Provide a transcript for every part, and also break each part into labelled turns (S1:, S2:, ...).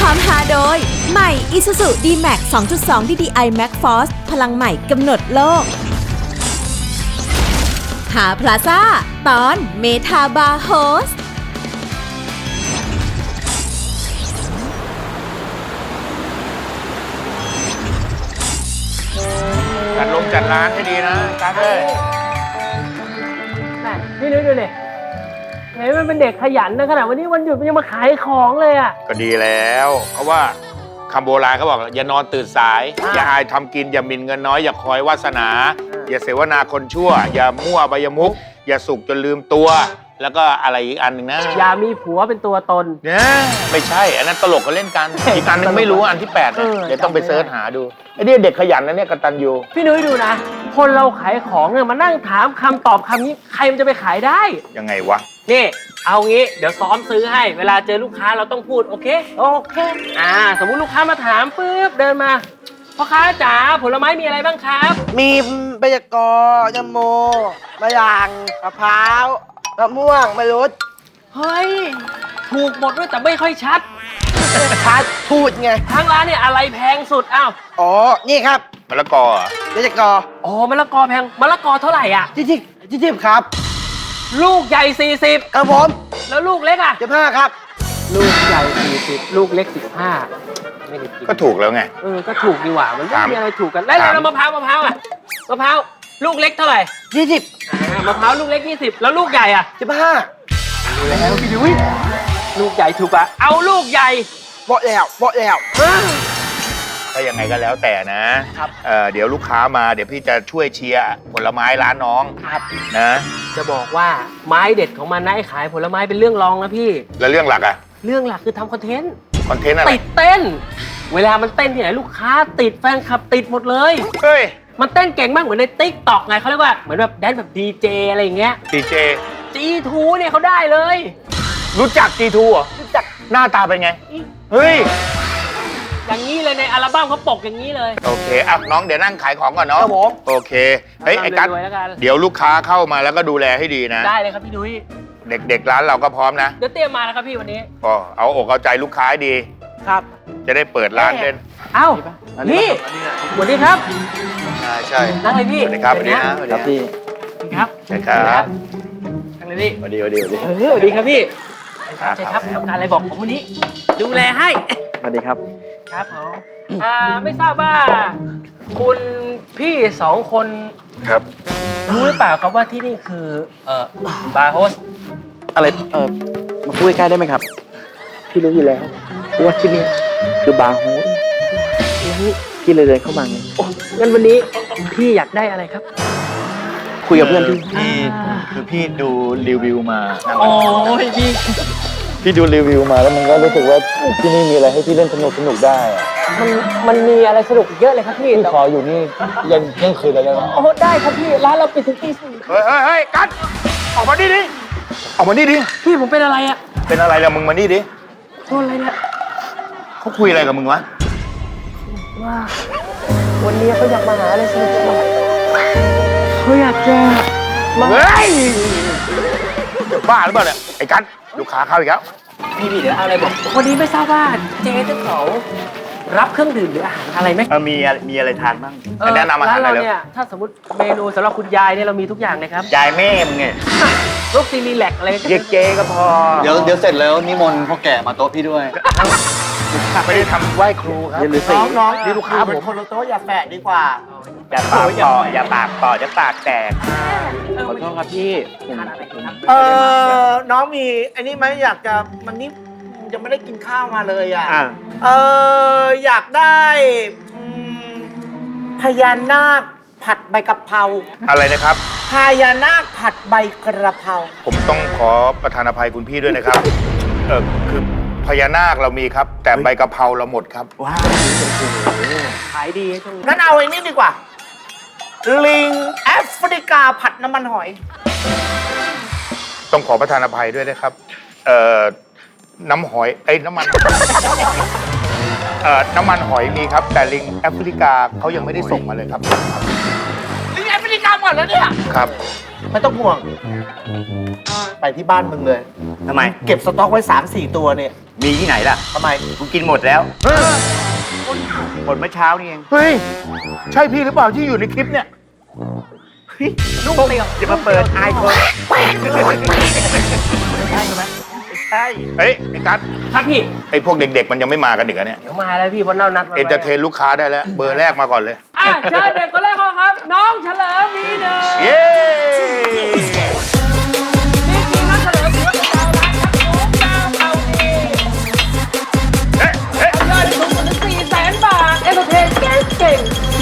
S1: ความฮาโดยใหม่ Isuzu D-Max 2.2 DDI Max Force พลังใหม่กำหนดโลกหาพลาซ่าตอนเมทาบาร์โฮส
S2: จัดร้านให้ดีนะการเลย
S3: พี่นุ้ยดูเลยเห็นมันเป็นเด็กขยันนะขนาดวันนี้วันหยุดมันยังมาขายของเลยอ่ะ
S2: ก็ดีแล้วเพราะว่าคำโบราณเขาบอกอย่านอนตื่นสายอย่าอายทำกินอย่าหมิ่นเงินน้อยอย่าคอยวาสนาอย่าเสวนาคนชั่วอย่ามั่วใบยมุกอย่าสุกจนลืมตัวแล้วก็อะไรอีกอันหนึ่งนะ
S3: อย่ามีผัวเป็นตัวตน
S2: เนี่ยไม่ใช่อันนั้นตลกก็เล่นกันอีกอันนึงไม่รู้อันที่8นะเดี๋ยวต้องไปเสิร์ชหาดูไอ้นี่เด็กขยันนะเนี่ยกตัญญู
S3: พี่นุ้ยดูนะคนเราขายของเนี่ยมานั่งถามคำตอบคำนี้ใครมันจะไปขายได้
S2: ยังไงวะ
S3: นี่เอางี้เดี๋ยวซ้อมซื้อให้เวลาเจอลูกค้าเราต้องพูดโอเคสมมุติลูกค้ามาถามปุ๊บเดินมาพ่อค้าจ๋าผลไม้มีอะไรบ้างครับ
S4: มีใบยะกอยมโมมะยางมะพร้าวมะม่วงมะรุด
S3: เฮ้ยถูกหมดด้วยแต่ไม่ค่อยชัด
S4: ชัดพูดไง
S3: ทางร้านเนี่ยอะไรแพงสุดอ้าว
S4: อ๋อนี่ครับ
S2: มะละกอ
S4: ใบยะกอ
S3: อ๋อมะละกอแพงมะละกอเท่าไหร่อ่ะ
S4: ที่ครับ
S3: ลูกใหญ่40
S4: ครับผม
S3: แล้วลูกเล็กอ่ะ
S4: 15ครับ
S3: ลูกใหญ่40ลูกเล็ก15ไม่ได้กิน
S2: ก็ถูกแล้วไง
S3: ก็ถูกดีกว่ามันไม่มีอะไรถูกกันแล้วมะพร้าวอ่ะมะพร้าวลูกเล็กเท่าไหร่
S4: 20
S3: มะพร้าวลูกเล็ก20แล้วลูกใหญ่อ่ะ
S4: 15
S3: ดูแล้วพี่ดุ้ยลูกใหญ่ถูกป่ะเอาลูกใหญ่
S4: บอกแล้ว
S2: ถ้ายังไงก็แล้วแต่นะครับเดี๋ยวลูกค้ามาเดี๋ยวพี่จะช่วยเชียร์ผลไม้ร้านน้อง
S3: ครับ
S2: นะ
S3: จะบอกว่าไม้เด็ดของมันนะไอ้ขายผลไม้เป็นเรื่องรองนะพี่
S2: แล้วเรื่องหลักอะ
S3: เรื่องหลักคือทำคอนเทนต์
S2: อะไร
S3: ติดเต้นเวลามันเต้นที่ไหนลูกค้าติดแฟนคลับติดหมดเลย
S2: เฮ้ย
S3: มันเต้นเก่งมากเหมือนในติ๊กต็อกไงเขาเรียกว่าเหมือนแบบแดนแบบดีเจอะไรอย่างเงี้ย
S2: DJ
S3: G2 เนี่ยเขาได้เลย
S2: รู้จัก G2 เหรอ
S3: รู้จัก
S2: หน้าตาเป็นไงเฮ้ย
S3: อย่างนี้เลยในอัลบั้มเขาปกอย่างนี้เลย
S2: โอเคอ่ะน้องเดี๋ยวนั่งขายของก่อนเนาะ
S4: ครับผม
S2: โอเคเฮ้ยไอ้กั๊กเดี๋ยวลูกค้าเข้ามาแล้วก็ดูแลให้ดีนะ
S3: ได้เลยครับพี่นุ้ย
S2: เด็กๆร้านเราก็พร้อมนะ
S3: เดี๋ยวเตรียมมาแล้วครับพี่วันนี้
S2: ก็เอาอกเอาใจลูกค้าให้ดี
S4: ครับ
S2: จะได้เปิดร้านเล่น
S3: เอ้าพี่สวัสดีครับ
S2: ใช่
S3: นั่งเลยพี่
S2: สวัสดีครับสวัสดี
S4: ครับพี่
S3: ครับ
S2: ใช่ครับ
S3: นั่งเลยพี่
S2: สวัสดี
S3: สวัสดีครับพี่ใช่ครับทำการอะไรบอกผมวันนี้ดูแลให้
S4: สวัสดีครับ
S3: ครับผมไม่ทราบว่าคุณพี่2คน
S2: ครับ
S3: รู้หรือเปล่าครับว่าที่นี่คือบาร์โฮส
S4: อะไรมาพูดใกล้ได้ไหมครับพี่รู้อยู่แล้วว่าที่นี่คือบาร์โฮสพี่เลยเดินเข้ามาไง
S3: งั้นวันนี้พี่อยากได้อะไรครับ
S4: คุยกับเพื่อน
S2: พี่คือพี่ดูรีวิวมา
S3: โอ้ย
S4: พี่ดูรีวิวมาแล้วมันก็รู้สึกว่าที่นี่มีอะไรให้พี่เล่นสนุกได้
S3: มันมีอะไรสนุกเยอะเลยครับพี่
S4: ขออยู่นี่ยังคืนเลยนะ
S3: โอ้ได้ครับพี่ร้านเราปิดถึงตี 4
S2: เฮ้ยกั๊กออกมาดิออกมาดิ
S3: พี่ผมเป็นอะไรอะ
S2: เป็นอะไรล่ะมึงมาดิ
S3: โทษอะไรเนี่ย
S2: เขาคุยอะไรกับมึงวะ
S3: ว่าวันนี้เขาอยากมาหาอะไรสนุกเขาอยากจะมา
S2: เฮ้ยจะบ้าหรือเปล่าเนี่ยไอ้กั๊กลูกค้าเข้าอีกแล้ว
S3: พี่เดี๋ยวเอาอะไรบอกวันนี้ไม่ทราบว่าเจ๊จะเขารับเครื่องดื่มหรืออาหารอะไรไหม
S2: มีอะไรทานบ้างแนะนำอาหารอะไรเลย
S3: ถ้าสมมติเมนูสำหรับคุณยายเนี่ยเรามีทุกอย่างเลยครับ
S2: ยายแม่มึงไง
S3: ลูกซีรีแลกอะไร
S2: เรียกเจ๊ก็พอ
S4: เดี๋ยวเสร็จแล้วนิมนต์พ่อแก่มาโต๊ะพี่ด้วย
S2: ไม่ได้ทำไหว้ครูครับ
S4: น้อง
S2: นี่ลูกค้าผม
S4: คนละโต๊ะอย่าแฝะดีกว่า
S2: อย่าปากต่ออย่าปากต่อจะปากแตก
S4: ขอโทษครับพี่
S5: น้องมีอันนี้ไหมอยากจะมันนี่ยังไม่ได้กินข้าวมาเลยอ่ะอยากได้พญานาคผัดใบกะเพรา
S2: อะไรนะครับ
S5: พญานาคผัดใบกระเพรา
S2: ผมต้องขอประทานอภัยคุณพี่ด้วยนะครับคือพญานาคเรามีครับแต่ใบกะเพราเราหมดครับ
S5: ว้าว
S3: ขายดีจัง
S5: งั้นเอาไอ้นี่ดีกว่าลิงแอฟริกาผัดน้ำมันหอย
S2: ต้องขอประทานอภัยด้วยนะครับน้ำหอยน้ำมันน้ำมันหอยมีครับแต่ลิงแอฟริกาเขายังไม่ได้ส่งมาเลยครับ
S5: ลิงแอฟริกาหมดแล้วเนี่ย
S2: ครับ
S5: ไม่ต้องห่วง ไปที่บ้านมึงเลย
S4: ทำไม
S5: เก็บสต็อกไว้ 3-4 ตัวเนี่ย
S4: มีที่ไหนล่ะ
S5: ทำไม
S4: กูกินหมดแล้วหมดเมื่อเช้านี่เอง
S2: เฮ้ย ใช่พี่หรือเปล่าที่อยู่ในคลิปเนี่ย
S5: ลูกเตียว
S4: จะมาเปิดไอคน
S5: ใช่
S2: เฮ้ยไอ้กัส
S3: ครับพี่
S2: ไอ้พวกเด็กๆ มันยังไม่มากันอีกอะเนี่ย
S3: เดี๋ยวมาแล้วพี่เพราะเรานัดมา
S2: เอนเตอร์เทนลูกค้าได้แล้ว เบอร์แรกมาก่อนเลย
S3: อ่ะเชิญเด็กคนแรกเขาครับ น้องเฉลิมมีเดิม
S2: เย้
S3: นี่คือน้องเฉลิมถือว่าเป็นดาวร้ายครับผมดาวเขาดี
S2: เฮ้ยเฮ้ย
S3: ยอดสูงสุดถึง400,000 บาท เอนเตอร์เทนเก่ง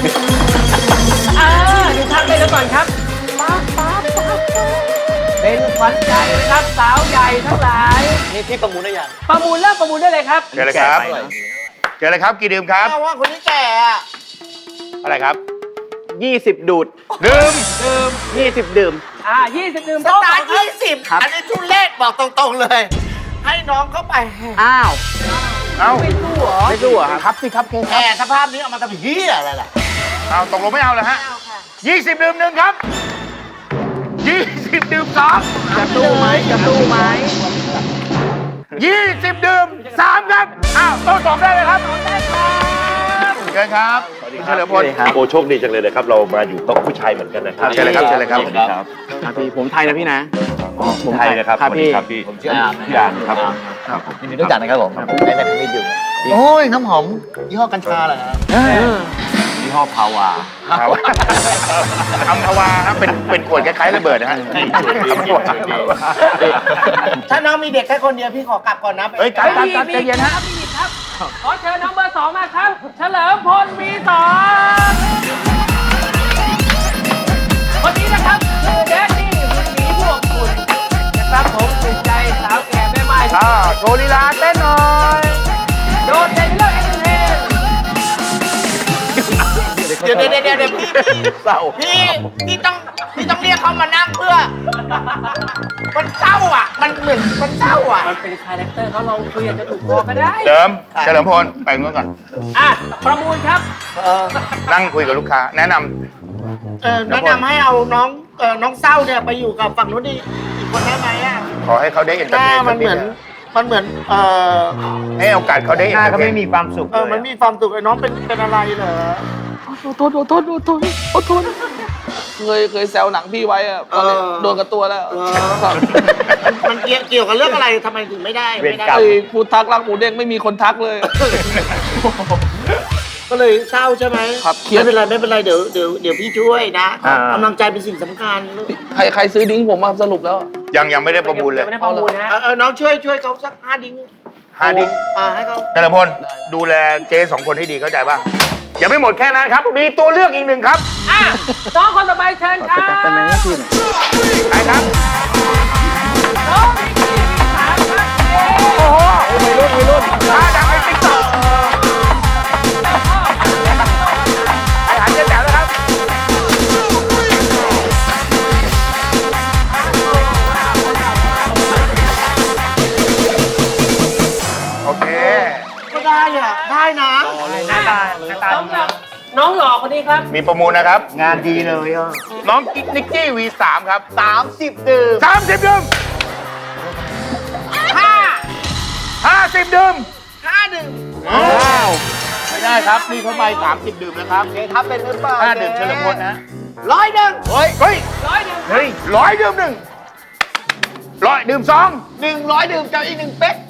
S3: ดูทางเลยกันก่อนครับเป็นขวัญใจนะครับสาวใหญ่ทั้งหลาย
S5: นี่พี่ประมูลได้ยัง
S3: ประมูลเริ่มประมูลได้เลยครับ
S2: เจอเลยครับ เจอเลยครับ กี่ดื่มครับ
S5: แม่ว่าคนนี้แก่อะ
S2: อะไรครับ
S4: 20 ดูด
S2: ดื่ม
S4: 20 ดื่ม
S3: 20 ดื่ม
S5: ส
S3: โต๊ะ
S5: ตาร์
S3: ครับ
S5: 20อันนี้ทุเรศบอกตรงๆเลย ให้น้องเข้าไป
S4: อ้าว
S2: เอ้า
S5: ไม่สู้เหรอ
S4: ไม่สู้เหรอครับ
S2: ครับสิครับเค
S5: แก่สภาพนี้เอามาทำเฮียอะไรล่ะ
S2: เอาตกลงไม่เอาเลยฮะ20 ดื่มหนึ่งครับ 20 ดื่มสอง
S4: จะตู้ไหมจะตู้ไหม
S2: 20 ดื่ม3ครับ อ้าวโต๊ะสองได้เลยครับเชิญครับเฉลิมพล
S6: โอ้โชคดีจังเลยนะครับ เรามาอยู่โต๊ะผู้ชายเหมือนกันนะครับ
S2: เชิญเลยครับเชิญเลยครับ
S4: ครับพี่ผมไทยนะพี่นะ
S6: ผมไทยนะครับ
S4: ครับ
S6: สวัสดี
S4: พี่
S6: ครับพี่ผมชื่อพี่อ่านครับ
S5: ยินดีรู้จักนะครับผมในแมทวิดอยู่โอ้ยน้ำหอมยี่ห้อกัญชาเหรอฮะ
S6: ยี่ห้อพาวา
S2: ครับอัมพวาครับเป็นขวดคล้ายๆระเบิดนะฮะ
S5: ถ้าน้องมีเด็กแค่คนเดียวพี่ขอกลับก่อนนะ
S2: เฮ้ยกัดกัดใจเย็นฮะ
S3: มีครับ ขอเชิญน้องเบอร์ 2 มาครับ เฉลิมพลมี2คนนี้นะครับคือแดดดี้คุณหมีพวกคุณนะครับผมถูกใจสาวแก่แม่ไม้
S2: โชว์ลีลาเต้นหน่อย
S3: โดดเด่นเรื่องเอนเตอร์เทน
S5: เดี๋ยวพี่เศร้าพี่ต้องเรียกเขามานั่งเพื่อ มันเศร้าอ่ะ มันเหมือนมันเศร้าอ่ะ
S3: มันเป็นคาแรคเตอร์เขาลองคุยอาจจะถูกคอก็ได้
S2: เดิมเฉลิมพลไปนู้นก่อน
S3: อ่ะ ประมูลครับ
S2: นั่งคุยกับลูกค้า แนะน
S5: แนะนำให้เอาน้องเศร้าเนี่ยไปอยู่กับฝั่งนู้นอีกคนได้ไหมอ่ะ
S2: ำขอให้เขาได้เอนเตอร์
S5: ห
S2: เท
S5: น้าน มันเหมือน
S2: ให้โอกาสเขาได้เอน
S4: หน้า
S2: เตอร์
S4: ก็
S2: เท
S4: ไม่
S2: น
S4: มีความสุข
S5: มันมีความสุขไอ้น้องเป็นอะไรเหรอ
S7: เคยแซวหนังพี่ไว้อะตอนนี้โดนกับตัวแล้ว
S5: มันเกี่ยวกับเรื่องอะไรทำไมถึงไม่ได้
S7: ไอ้พูดทักรักหมูเด้งไม่มีคนทักเลย
S5: ก็เลยเศร้าใช่ไหม
S7: ครับเครียด
S5: ไม่เป็นไรเดี๋ยวพี่ช่วยนะกำลังใจเป็นสิ่งสำคัญ
S7: ใครซื้อดิ้งผมมาสรุปแล้ว
S2: ยังไม่ได้ประมูลเลย
S3: ไม่ได้ประมูลนะ
S5: น้องช่วยเขาสัก5 ดิ้ง
S2: 5 ดิ้ง
S5: ให้เขา
S2: เฉลิมพลดูแลเจ๊2 คนให้ดีเข้าใจป่ะยังไม่หมดแค่นั้นครับ มีตัวเลือกอีกหนึ่งครับ
S3: อ่ะน้องคนต่อไปเชิญครับ
S4: เป็นไหมพี่
S2: ใครครับ
S3: น้องนิกกี้มี3ครับ
S2: โอ้โหวัยรุ่นท่าดังไอ้ติ๊กต็อกไอ้หันเจ๊แจ๋วแล้วครับ โอเค
S5: ก็ได้อ่ะได้นะ
S3: สำหรับน้องหล่อคนนี้ครับ
S2: มีประมูลนะครับ
S4: งานดีเลยอ่ะ
S2: น้องนิกกี้ V3 ครับ
S5: 30 ดื่ม
S2: 30 ดื่ม 50 ดื่ม
S5: 5 ดื่ม
S2: ไม่ได้ครับ นี่เขาไป30 ดื่มนะครับ
S5: เจ๊ทำเป็นหรือเปล่า
S2: 5 ดื่มเฉลิมพลนะ
S5: 100 ดื่ม
S2: เฮ้ย
S3: 100 ดื่ม
S2: เฮ้ย100 ดื่มหนึ่ง100 ดื่ม2
S5: 100 ดื่มจะอีก1 เป๊ก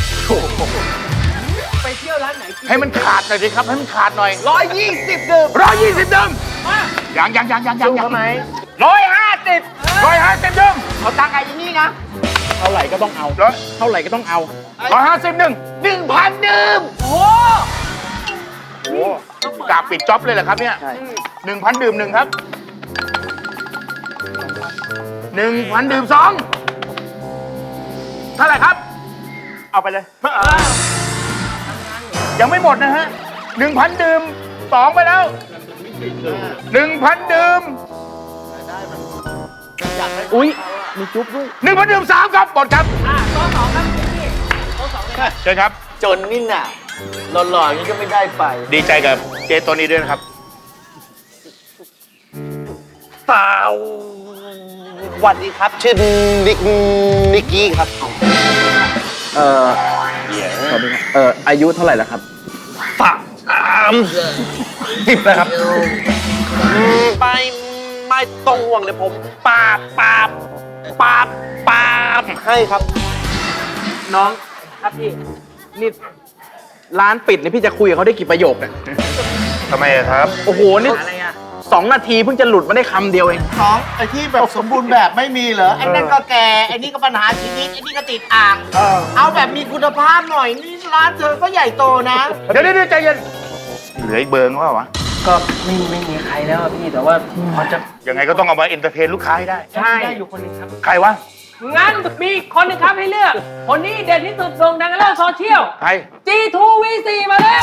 S3: ไปเที่ยวร้านไหนกิน
S2: ให้มันขาดหน่อยสิครับ ให้มันขาดหน่อย
S5: 120 ดื่ม
S2: 120 ดื่ม
S3: มา
S2: ยัง
S5: สู้เขาไหม
S2: 150 ดื่ม
S5: เอาตังค์ไอ้นี่นะ
S4: เท่าไหร่ก็ต้องเอา เท่าไหร่ก็ต้องเอา
S2: 150 หนึ่ง
S5: 1,000 ดื่ม
S3: โอ้
S2: โอ้กาปิดจ็อบเลยเหรอครับเนี่ย
S4: ใช่
S2: 1,000 ดื่มหนึ่งครับ 1,000 ดื่ม2เท่าไหร่ครับ
S4: เอาไปเลย
S2: ยังไม่หมดนะฮะ 1,000 ดื่ม2ไปแล้ว 1,000 ดื่ม
S4: อุ๊ย มีจุ๊บด้วย
S2: 1,000 ดื่ม3ครับหมดครับ
S3: โต๊ะ2ครับนิกกี้โต๊ะ2เลยครับ
S2: เชิญครับ
S5: จนนี่น่ะหล่อๆอย่างนี้ก็ไม่ได้ไป
S2: ดีใจกับเจตัวนี้ด้วยนะครับ
S5: เปล่า
S8: วัสดีครับ ชื่อนิกกี้ครับ
S4: สวัสดีครับอายุเท่าไหร่แล้วครับ
S8: 30นะครับไม่ต้องห่วงเลยผมปาบให้ครับ
S3: น้องครับพี่
S4: นี่ร้านปิดเนี่ยพี่จะคุยกับเขาได้กี่ประโยคเนี่ย
S2: ทำไมอะครับ
S4: โอ้โห นี่
S3: อะไรอ่ะ
S4: 2 นาทีเพิ่งจะหลุดมาได้คำเดียวเอง
S5: น้องไอ้ที่แบบสมบูรณ์แบบไม่มีเหรอไอ้นั่นก็แก่ไอ้นี่ก็ปัญหาชีวิตไอ้นี่ก็ติดอ่าง เอาแบบมีคุณภาพหน่อยนี่ร้านเธอก็ใหญ่โตนะ
S2: เดี๋ยวใจเย็น เหลืออีกเบอร์นึงวะ
S3: ก็ไม่มีใครแล้วอะพี่แต่ว่าพอจะ
S2: ยังไงก็ต้องเอามาเอนเตอร์เทนลูกค้าให้ได้
S3: ใช่ได้อยู่คนหนึงครับ
S2: ใครวะ
S3: งั้นมีคนหนึงครับให้เลือก คนนี้เด่นที่สุดโด่งดังในโลกโซเชียล
S2: ใคร
S3: G2V4 มาแล้ว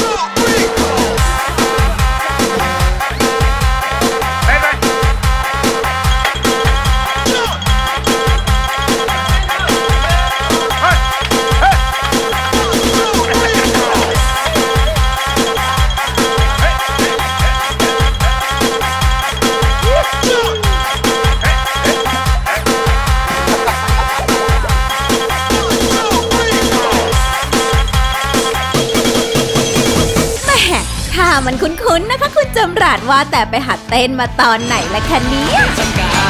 S1: แหม่ถ้ามันคุ้นๆนะคะคุณจำรัดว่าแต่ไปหัดเต้นมาตอนไหนละคะเนี่ย